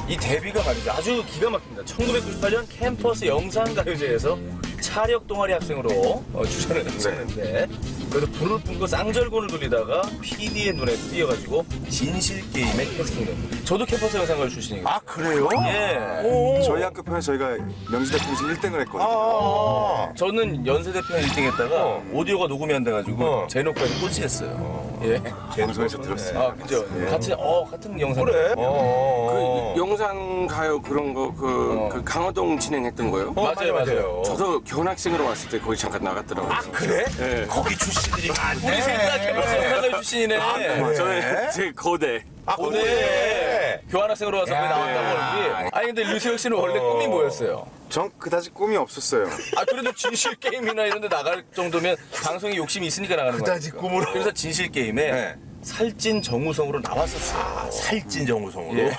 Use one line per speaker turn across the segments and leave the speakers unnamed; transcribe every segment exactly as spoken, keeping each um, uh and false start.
이 데뷔가 말이죠. 아주 기가 막힙니다. 천구백구십팔 년 캠퍼스 영상가요제에서 차력 동아리 학생으로 어, 출전을 했었는데 그래서 불을 뿜고 쌍절곤을 돌리다가 피디의 눈에 띄어가지고 진실게임에 캐스팅됩니다. 저도 캠퍼스 영상가요 출신이거든요.
아, 그래요?
예.
오.
저희 학교 편에 저희가 명지대표에서 일 등을 했거든요.
아,
저는 연세대편 일 등 했다가
어.
오디오가 녹음이 안 돼가지고
어.
제노카에서 꼴찌했어요.
어.
예.
방송에서 들었어요.
아, 그죠. 같이, 어, 같은 영상.
그래? 어.
그 영상 가요 그런 거 그
어.
그 강호동 진행했던 거요?
어,
맞아요, 맞아요.
저도 교환학생으로 왔을 때 거기 잠깐 나갔더라고요.
아, 그래?
네.
거기 출신들이 많네.
우리 셋 다 캠퍼스 영상가요 출신이네.
그래?
저는 제 거대.
아,
오늘
그래?
교환학생으로 와서 거기
야.
나왔다고 하는데. 아니, 근데 류세혁 씨는 원래
어.
꿈이 뭐였어요?
전 그다지 꿈이 없었어요.
아, 그래도 진실게임이나 이런 데 나갈 정도면 방송에 욕심이 있으니까 나가는 거예요.
그다지 꿈으로.
그래서 진실게임에
네.
살찐 정우성으로 나왔었어요.
아, 살찐 정우성으로.
예.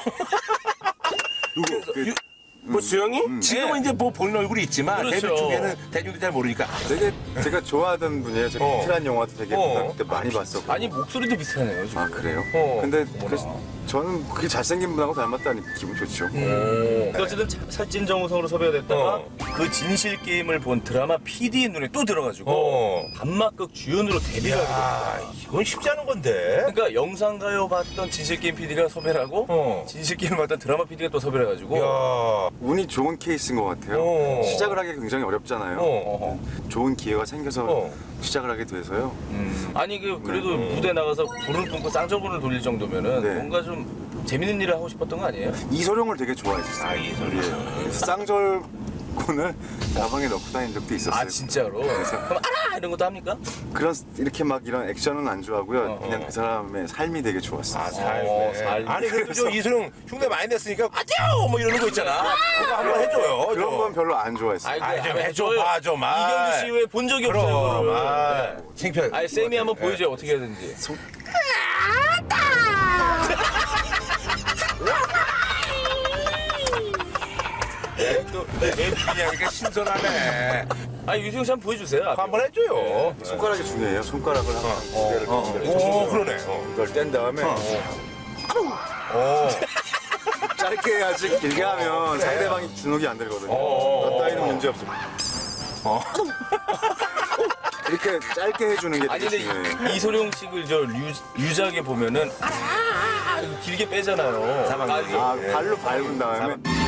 누구? 그,
뭐 수영이?
지금은
네.
이제 뭐 보는 얼굴이 있지만
그렇죠.
데뷔 초기에는 대중들이 잘 모르니까.
되게 제가 좋아하던 분이에요. 제가
어.
비틀한 영화도 되게
어.
고등학교 때 많이 봤었고.
아니, 목소리도 비슷하네요, 지금.
아 그래요?
어.
근데
어머나.
그, 저는 그게 잘생긴 분하고 닮았다니 기분 좋죠.
음. 어쨌든 차- 살찐 정우성으로 섭외가 됐다가
어.
그 진실 게임을 본 드라마 피디의 눈에 또 들어가지고
어.
단막극 주연으로 데뷔를 하게 됩니다.
아, 이건 쉽지 않은 건데.
그러니까 영상가요 봤던 진실 게임 피디가 섭외를 하고
어.
진실 게임 봤던 드라마 피디가 또 섭외를 해가지고
야.
운이 좋은 케이스인 것 같아요.
어.
시작을 하기 굉장히 어렵잖아요.
어.
좋은 기회가 생겨서
어.
시작을 하게 돼서요.
음. 아니 그 그래도 무대 나가서 불을 뿜고 쌍절곤을 돌릴 정도면은
네.
뭔가 좀 재밌는 일을 하고 싶었던 거 아니에요?
이소룡을 되게 좋아했어요.
아, 이소룡.
예. 그래서 쌍절곤을 가방에 넣고 다닌 적도 있었어요.
아 진짜로? 그럼 알아 이런 것도 합니까?
그런 이렇게 막 이런 액션은 안 좋아하고요.
어,
그냥
어.
그 사람의 삶이 되게 좋았어요.
아, 삶.
어, 삶.
아니, 그래도 저 이소룡 흉내 많이 냈으니까, 아뇨! 뭐 이러는 거 있잖아. 그거 한번 해줘요.
그런
저.
건 별로 안 좋아했어요.
아이고,
아이, 좀
한번
해줘,
해줘요.
봐, 좀. 아.
이경규 씨 외에 본 적이 없어요.
그럼,
그거를.
아.
네.
창피해.
아니 쌤이 한번 보여줘요. 어떻게 해야 되는지.
예, 또, 애피냐니까 신선하네.
아니 유승 씨 한번 보여주세요. 앞에.
한번 해줘요.
손가락이 중요해요. 손가락을 항상 두 개를
어,
두 개를
오, 그러네. 어.
이걸 뗀 다음에
어.
짧게 해야지 길게 하면
그래.
상대방이 주눅이 안 들거든요.
어.
나 따위는 문제 없어.
어.
이렇게 짧게 해주는 게
아니
되게
근데
중요해요.
이- 이소룡 씨를 저 유, 유작에 보면은 아, 아, 아, 길게 빼잖아요.
사망.
아, 이게
아, 발로 밟은 다음에